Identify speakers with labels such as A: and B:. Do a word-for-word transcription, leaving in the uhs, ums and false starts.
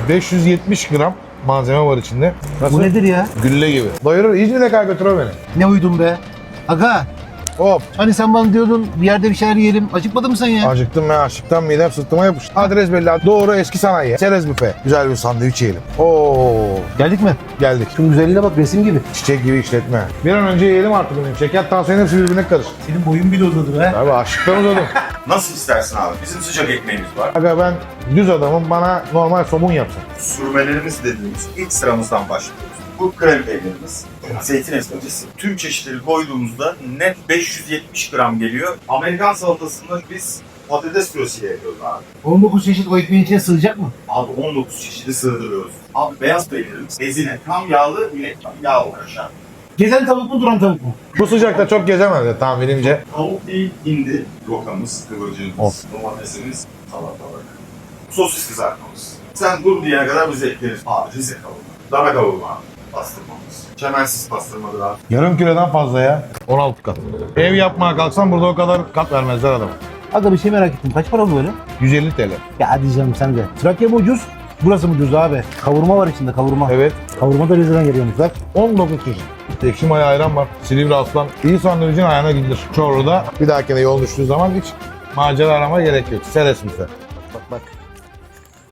A: beş yüz yetmiş gram malzeme var içinde. Nasıl?
B: Bu nedir ya?
A: Gülle gibi. Doyurur. İzmir'e kadar götür o beni.
B: Ne uydun be? Aga,
A: Hop.
B: hani sen bana diyordun bir yerde bir şeyler yiyelim. Acıkmadın mı sen ya?
A: Acıktım ben. Açlıktan midem sırtıma yapıştı. Adres belli. Doğru eski sanayi. Çerez büfe. Güzel bir sandviç yiyelim. Oo.
B: Geldik mi?
A: Geldik.
B: Şunun güzelliğine bak, resim gibi.
A: Çiçek gibi işletme. Bir an önce yiyelim artık benim. Şeker, tansiyon hepsi birbirine karıştı.
B: Senin boyun bile uzadı be.
A: Abi açlıktan uzadım.
C: Nasıl istersin abi? Bizim sıcak ekmeğimiz var.
A: Aga ben düz adamım. Bana normal somun yapsın.
C: Sürmelerimiz dediğimiz ilk sıramızdan başlıyoruz. Bu krem peynirimiz, zeytin esmecisi. Tüm çeşitleri koyduğumuzda net beş yüz yetmiş gram geliyor. Amerikan salatasında biz patates püresiyle yapıyoruz abi.
B: on dokuz çeşit o ekmeğin içine sığacak mı?
C: Abi on dokuz çeşidi sığdırıyoruz. Abi beyaz peynirimiz, ezine, tam yağlı, yine yağ uğraşan.
B: Gezen tavuk mu, duran tavuk mu?
A: Bu sıcakta çok gezemez de tahminimce.
C: Tavuk değil, hindi, rokamız, kıvırcığımız,
A: Of.
C: domatesimiz, salatalık, sosis kızartmamız. Sen dur diyene kadar bize ekleriz. Abi Rize kavurma, dana kavurma, pastırmamız. Çemensiz pastırmadır abi.
A: Yarım kilodan fazla ya. on altı kat. Ev yapmaya kalksam burada o kadar kat vermezler adama.
B: Aga bir şey merak ettim. Kaç para bu böyle?
A: yüz elli TL.
B: Ya hadi canım sen de. Trakya mı ucuz? Burası mı ucuz abi? Kavurma var içinde, kavurma.
A: Evet.
B: Kavurma da Rize'den geliyormuş bak.
A: on dokuz çeşit. Ekşi maya ayran var. Silivri aslan. İyi sandviçin ayağına gidilir. Çorlu'da bir dahakine yol düştüğü zaman hiç macera arama gerek yok. Seres bize.
B: Bak bak.